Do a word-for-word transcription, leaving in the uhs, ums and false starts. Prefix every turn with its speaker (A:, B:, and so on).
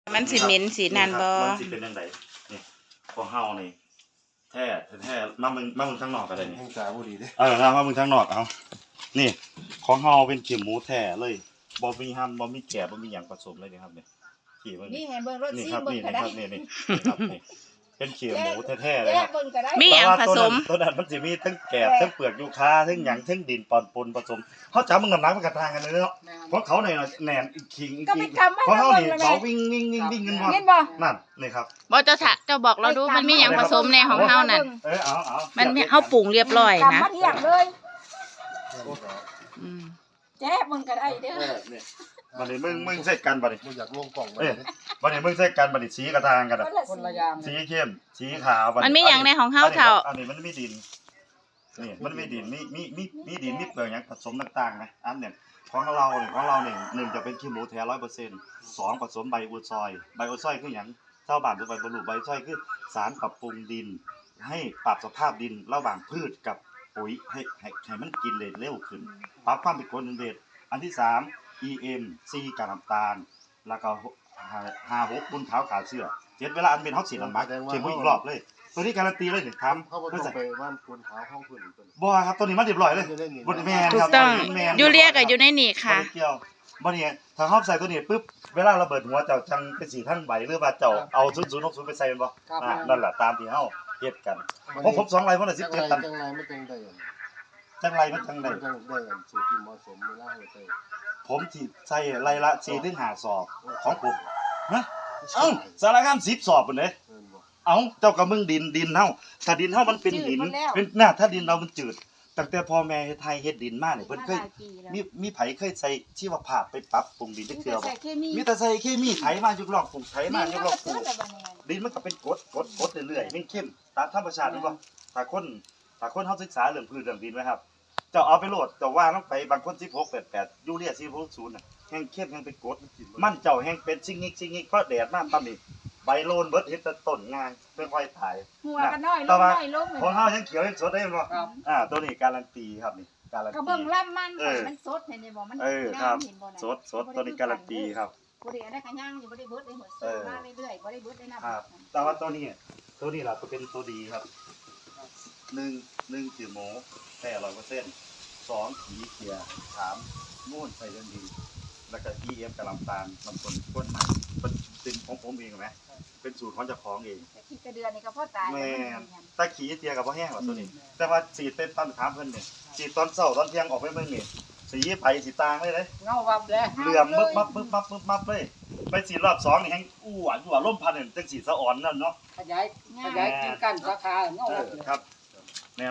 A: มันสิเหม็นสีนั่นบ่
B: มันสิเป็นจังไดนี่ของเฮานี่แท้แท้มามึงมามึงข้างนอกก็ได้นี่
C: ให้จ่าบ่ดีเด้
B: เออมามึงข้างนอกเอานี่ของเฮาเป็นขี้หมูแท้เลยบ่มีห้ำบ่มีแกะบ่มีหยังผสมเลยนี่ครับนี่ขี้มัน
D: นี่ให้เบิ่งรถ
B: นี่
D: ซี
B: ครับ
D: เบิ่ง
B: นี่
D: ก็
B: นี่
D: ได้
B: ครับนี่นี่ครับนี่เป็นขี้หมูแท้ๆเลย
D: แย
B: ครั
D: ก
B: บ
D: เบิ่งก็ได้
A: มีหยังผสม
B: ตัวนั้นมันสิมีทั้งแกะทั้งเปลือกยูคาทั้งหยังทั้งดินปอนปนผสมเฮาจับมึงน้ำหนักมันก็ต่างกันเลยเนาะเพราะเขาเนี่ยแหนนอีกขิงอีก
D: ก็ไปทำให้
B: เพราะเขา
D: เบิ่
B: นี่
D: งแล้ว
B: เขา
D: แม่
B: วิ่งวิ่งวิ่งวิ่งกัน
D: เห็นบ่
B: นั่นนี่ครับ
A: บ่เจ้าถะเจ้าบอกเราดูมันมีหยังผสมในของเฮานั่น
B: เออเอาเอา
A: มันมีเฮาปรุงเรียบร้อยนะ
D: กำมาเทียบเลย
A: อืม
D: แจ๊เบิ่งก็ได้เด้อ
C: เนี่ย
B: บัดนี้มึงมึงใส่กันบัดนี้
C: บ่อยากลงกล่องไว้
B: เอ้ยบัดนี้มึงใส่กันบัดนี้สีกระทางกันอะ
D: คนละอย่าง
B: สีเข้มสีขาวบัด
A: มันมีหยังในของเฮาเฒ่า
B: อันนี้มันมีดินนี่มันมีดินมีมีมีมีดินมีเปลือกหยังผสมต่างๆนะอันเนี่ยของเราเนี่ยของเราเนี่ยหนึ่งจะเป็นขี้หมูแท้ ร้อยเปอร์เซ็นต์ สองผสมใบอูดซอยใบอูดซอยคือหยังชาวบ้านทั่วไปบ่รู้ใบอูดซอยคือสารปรับปรุงดิน ให้ปรับสภาพดินระหว่างพืชกับปุ๋ยให้ให้ให้มันกินเลนเร็วขึ้นปรับความเป็นกรดเป็นเบสอันที่สาม อี เอ็ม C กากน้ำตาลแล้วก็ห้าหกบุญขาวขาเสื้อเจ็ดเวลาอันเป็นเฮาสิลำบากเขียนอีกรอบเลยตัวนี้การันตีเลยนี่ทำ
C: เขาบ่ต้องไปบ้านคนขาวห้องเพิ่นเพิ่น
B: บ่ครับตัวนี้มันเรียบร้อยเลยบ่แม่น
A: ถู
B: ค
A: ก
B: รับ
A: ต้อง
B: แม่น
A: ยูเรียก็อยู่ในนี่ค่ะ
B: บ่ได้เกี่ยวบ่นี่ถ้าเฮาใส่ตัวนี้ปึ๊บเวลาระเบิดหัวเจ้าจังเป็นสีทั้งใบหรือว่าเจ้าเอาศูนย์ศูนย์หกศูนย์ไปใส่แม่นบ่อ่านั่นแหละตามที่เฮาเฮ็ดกันผมผมสองไร่พุ่นน่ะสิบเจ็ดตัน
C: จังไรไม่จังได้
B: จังไรมันจังได๋
C: จังได้กันสูตรที่เหมาะสมเวลาเฮ็ดได้
B: ผมสิใส่ไร่ละสี่ถึงห้าสอบของผมฮะเอ้าสารคามสิบสอบพุ่นเด้
C: เพิ่นบ่
B: เอ้าเจ้าก็มึงดินดินเฮาถ้าดินเฮามันเป็นหินเป็นน่าถ้าดินเรามันจืดตั้งแต่พ่อแม่เฮ็ดไทยเฮ็ดดินมาเนี่ยเพิ่นเคยมีมีไผเคยใส่ชีวภาพไปปรับปรุงดินจักเทื่อบ่
D: ใส่เคมี
B: มีแต่ใส่เคมีไถมายุกลอกปลูกไถมายุกลอกปลูก
D: นี่มันก็เทื่อละบัดนี้
B: ดินมันก็เป็นกรดกรดกรดเรื่อยๆมันเข้มตามธรรมชาติแม่นบ่ถ้าคนถ้าคนเฮาศึกษาเรื่องพืชเรื่องดินไว้ครับเจ้าเอาไปโหลดเจ้าว่าลงไปบางคนสิบหก แปด แปดยูเรียสี่ หก ศูนย์น่ะแห้งเข้มแห้งเป็นกรดมันเจ้าแห้งเป็นซิงงิกซิงงิกเพราะแดดมาปั๊บนี่ใบโลนเบิดเฮ็ดแต่ต้นงานค่อยๆตาย
D: หัวก็น้อยลงน้อยลง
B: ของเฮายังเขียวยังสดได้บ่อ่าตัวนี้การันตีครับนี่การัน
D: ก็
B: ตี
D: เบิ่งลำมันมันสดเห็นบ่มัน
B: เออครับ
D: เห็นบ่น่ะ
B: สดสดตัวนี้การันตีครับ
D: บ่ได้ได้ขย่างอยู่บ่ได้เบิดได้หัวเสือมาเรื่อยๆบ่ได้เบิดได้น้ำ
B: ครับแต่ว่าตัวนี้ตัวนี้ล่ะตัวเป็นตัวดีครับหนึ่งหนึ่งขี้หมูแท้ร้อยเปอร์เซ็นต์สองขีเกียร์สามมูนใส่เรื่องดีแล้วก็ อี เอ็ม กะลำตาลมันคนก้นใหม่เป็นเป็นของผมเองไหมเป็นสูตรของเจ้าของเอง
D: แต่ขี้กระเดือนนี่ก็พอตาย
B: แม่ตะขีเตียกับพ่อแห้งหรอตัวนี้ แต่ว่าสีดเป็นตอนถามเพิ่นเนี่ยสีดตอนเช้าตอนเที่ยงออกไปเบิ่งนี่สีไปสีตางเลยเลย
D: เงาวับเลย
B: เหลื่อมมึบมับมึบมับมึบมับเลยไปสีรอบสองนี่แห้งอู้หวานอยู่ว่าล่มพันเนี่ยจังสีสะอ่อนนั่นเนาะ
E: ขยายขยายกินกันสาขาเงา
B: เอ
E: วั
B: อบ
E: เลย
B: ครับ